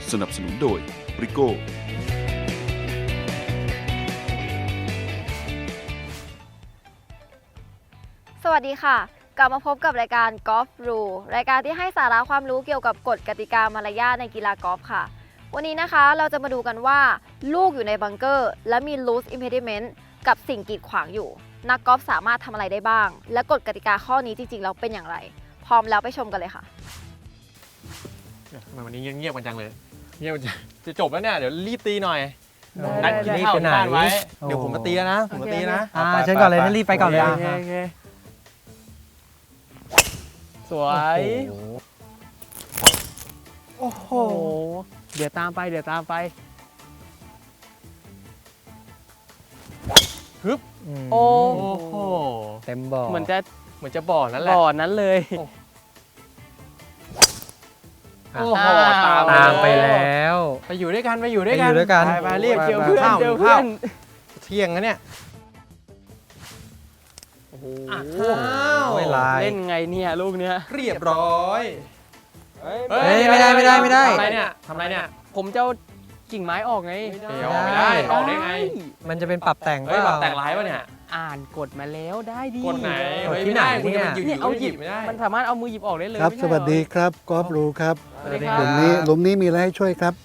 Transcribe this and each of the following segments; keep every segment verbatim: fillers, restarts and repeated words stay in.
สนับสนุนโดยบริโก้สวัสดีค่ะกลับมาพบกับรายการ Golf Rule รายการที่ให้สาระความรู้เกี่ยวกับกฎกติกามารยาทในกีฬากอล์ฟค่ะวันนี้นะคะเราจะมาดูกันว่าลูกอยู่ในบังเกอร์และมี loose impediment กับสิ่งกีดขวางอยู่นักกอล์ฟสามารถทำอะไรได้บ้างและกฎกติกาข้อนี้จริงๆแล้วเป็นอย่างไรพร้อมแล้วไปชมกันเลยค่ะทำไมวันนี้เงียบๆกันจังเลยเงียบจังจะจบแล้วเนี่ยเดี๋ยวรีบตีหน่อยนันัดดกิกินนข้าข้าว วที่ที่บ้าบ้าน นไว้ไว้เดี๋ยวผมมาตีแล้วนะผมมาตีนะอ่าเชิญก่อนเลยนั่นรีบไปก่อนเลยโอเคโอเคสวยโอ้โหโอ้โหเดี๋ยวตามไปเดี๋ยวตามไปฮึบโอ้โอ้โหเต็มบ่อเหมือนจะเหมือนจะบ่อนั่นแหละบ่อนั้นเลยโอ้โหตามตามไปแล้วไปอยู่ด้วยกันไปอยู่ด้วยไปกันอยู่ด้วยกันไปไปเรียกไปเจอไปเพื่อนเพื่อนเจเจออเพื่เพื่ออน นเที่ยงนะเนี่ยโอ้โหอ้าวไม่ลายเล่นไงเนี่ยลูกเนี้ยเรียบร้อยเฮ้เฮ้ยไม่ได้ไม่ได้ไม่ได้ทำไรเนี่ยทำไรเนี่ยผมจะเอากิ่งไม้ออกไงเดี๋ยวออกไม่ได้ออกได้ไงมันจะเป็นปรับแต่งเฮ้ยแบบเปล่าแต่งร้ายป่ะเนี่ยอ่านกฎมาแล้วได้ดีกดไหนกดเฮ้ยที่ไม่ได้ไหนคุณจะเนี่ยมาหยิบเนี่ยเอาหยิบไม่ได้มันสามารถเอามือหยิบออกได้เลยครับไม่สใช่วัสดีเหรอครับกอล์ฟรู้ครับสวัสดีคหรัลุบมนี้หลุมนี้มีอะไรให้ช่วยครับ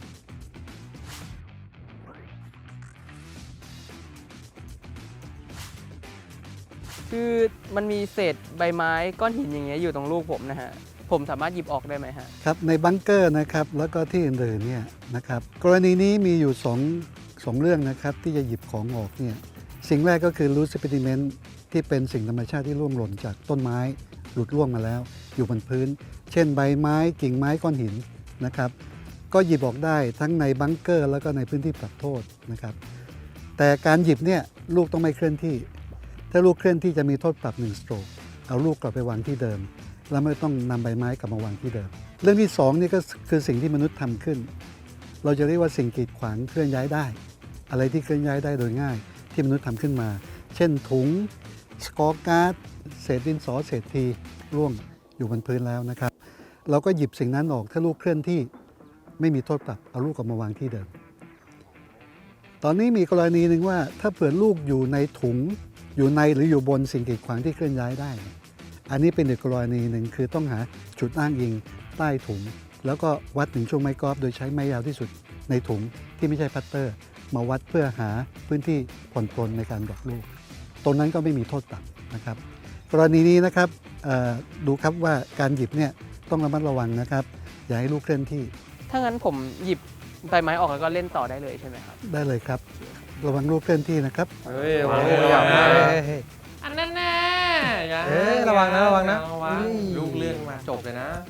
คือมันมีเศษใบไม้ก้อนหินอย่างเงี้ยอยู่ตรงลูกผมนะฮะผมสามารถหยิบออกได้ไหมฮะครับในบังเกอร์นะครับแล้วก็ที่อื่นๆเนี่ยนะครับกรณีนี้มีอยู่สองสองเรื่องนะครับที่จะหยิบของออกเนี่ยสิ่งแรกก็คือ loose impediment ที่เป็นสิ่งธรรมชาติที่ร่วงหล่นจากต้นไม้หลุดร่วงมาแล้ว อยู่บนพื้น เช่นใบไม้กิ่งไม้ก้อนหินนะครับก็หยิบออกได้ทั้งในบังเกอร์แล้วก็ในพื้นที่ปรับโทษนะครับแต่การหยิบเนี่ยลูกต้องไม่เคลื่อนที่ถ้าลูกเคลื่อนที่จะมีโทษปรับหนึ่งสโตรกเอาลูกกลับไปวางที่เดิมแล้วไม่ต้องนำใบไม้กลับมาวางที่เดิม เรื่องที่สองนี่ก็คือสิ่งที่มนุษย์ทำขึ้น เราจะเรียกว่าสิ่งกีดขวางเคลื่อนย้ายได้ อะไรที่เคลื่อนย้ายได้โดยง่ายที่มนุษย์ทำขึ้นมา เช่นถุงสกอร์การ์ดเศษดินสอเศษทีร่วงอยู่บนพื้นแล้วนะครับ เราก็หยิบสิ่งนั้นออกถ้าลูกเคลื่อนที่ไม่มีโทษปรับเอาลูกกลับมาวางที่เดิม ตอนนี้มีกรณีหนึ่งว่าถ้าเผื่อลูกอยู่ในถุงอยู่ในหรืออยู่บนสิ่งกีดขวางที่เคลื่อนย้ายได้ อันนี้เป็นอีกกรณีหนึ่งคือต้องหาจุดอ้างอิงใต้ถุง แล้วก็วัดถึงช่วงไม้กอล์ฟโดยใช้ไม้ยาวที่สุดในถุงที่ไม่ใช่พัตเตอร์ มาวัดเพื่อหาพื้นที่ผ่อนปลนในการดรอปลูกตรงนั้นก็ไม่มีโทษปรับนะครับ กรณีนี้นะครับดูครับว่าการหยิบเนี่ยต้องระมัดระวังนะครับ อย่าให้ลูกเคลื่อนที่ถ้างั้นผมหยิบใบไม้ออกแล้วก็เล่นต่อได้เลยใช่ไหมครับได้เลยครับ ระวังลูกเคลื่อนที่นะครับเฮ้ยระวังโอ้โหระวังนะเฮ้ยอันนั้นแน่อย่าเอ๊ะระวังนะระวังนะระวังอุ้ยลูกเลื่อนมาจบเลยนะ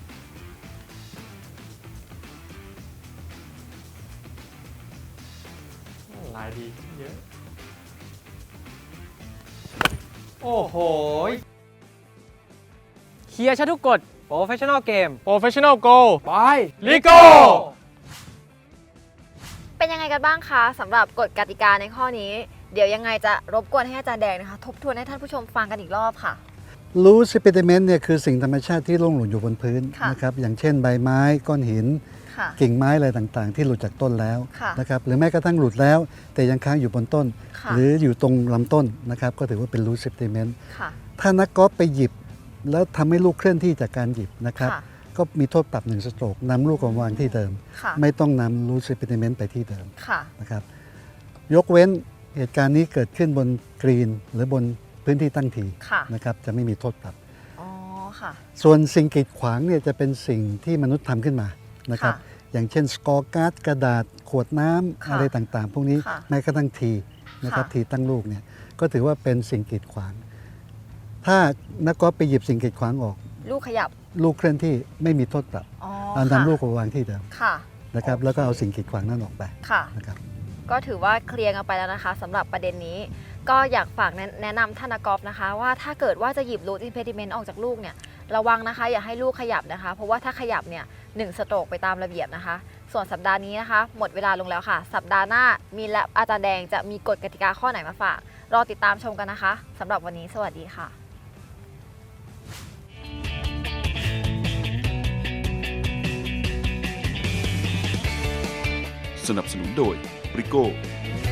ลายดีเยอะโอ้โหเคลียร์ชัดทุกกฎโปรเฟชชั่นอลเกม Professional Go ไปลิโก้เป็นยังไงกันบ้างคะสำหรับกฎกติกาในข้อนี้เดี๋ยวยังไงจะรบกวนให้อาจารย์แดงนะคะทบทวนให้ท่านผู้ชมฟังกันอีกรอบค่ะ loose impediment เนี่ยคือสิ่งธรรมชาติที่ร่วงหล่นอยู่บนพื้นค่ะนะครับอย่างเช่นใบไม้ก้อนหินค่ะกิ่งไม้อะไรต่างๆ ที่หลุดจากต้นแล้วค่ะนะครับหรือแม้กระทั่งหลุดแล้ว แต่ยังค้างอยู่บนต้นค่ะหรืออยู่ตรงลำต้นนะครับก็ถือว่าเป็น loose impediment ค่ะถ้านักกอล์ฟไปหยิบ แล้วทำให้ลูกเคลื่อนที่จากการหยิบนะครับค่ะก็มีโทษปรับหนึ่งสโตรกนำลูกกลับมาวางที่เดิมค่ะไม่ต้องนำ loose impediment ไปที่เดิมค่ะนะครับยกเว้นเหตุการณ์นี้เกิดขึ้นบนกรีนหรือบนพื้นที่ตั้งทีค่ะนะครับจะไม่มีโทษปรับอ๋อค่ะส่วนสิ่งกีดขวางเนี่ยจะเป็นสิ่งที่มนุษย์ทำขึ้นมานะครับค่ะอย่างเช่นสกอร์การ์ดกระดาษขวดน้ำค่ะอะไรต่างๆ พวกนี้ค่ะแม้กระทั่งทีนะครับค่ะทีตั้งลูกเนี่ยก็ถือว่าเป็นสิ่งกีดขวาง ถ้านักกอล์ฟไปหยิบสิ่งกีดขวางออกลูกขยับลูกเคลื่อนที่ไม่มีโทษปรับอ๋อเอาค่ะนำลูกมาวางที่เดิมค่ะนะครับแล้วก็เอาสิ่งกีดขวางนั้นออกไปค่ะนะครับก็ถือว่าเคลียร์กันไปแล้วนะคะสำหรับประเด็นนี้ ก็อยากฝากแนะแนะนำท่านนักกอล์ฟนะคะ ว่าถ้าเกิดว่าจะหยิบ loose impediment ออกจากลูกเนี่ยระวังนะคะ อย่าให้ลูกขยับนะคะ เพราะว่าถ้าขยับเนี่ยหนึ่งสโตรกไปตามระเบียบนะคะ ส่วนสัปดาห์นี้นะคะ หมดเวลาลงแล้วค่ะ สัปดาห์หน้ามีและอาจารย์แดงจะมีกฎกติกาข้อไหนมาฝาก รอติดตามชมกันนะคะสำหรับวันนี้สวัสดีค่ะสนับสนุนโดยบริโก้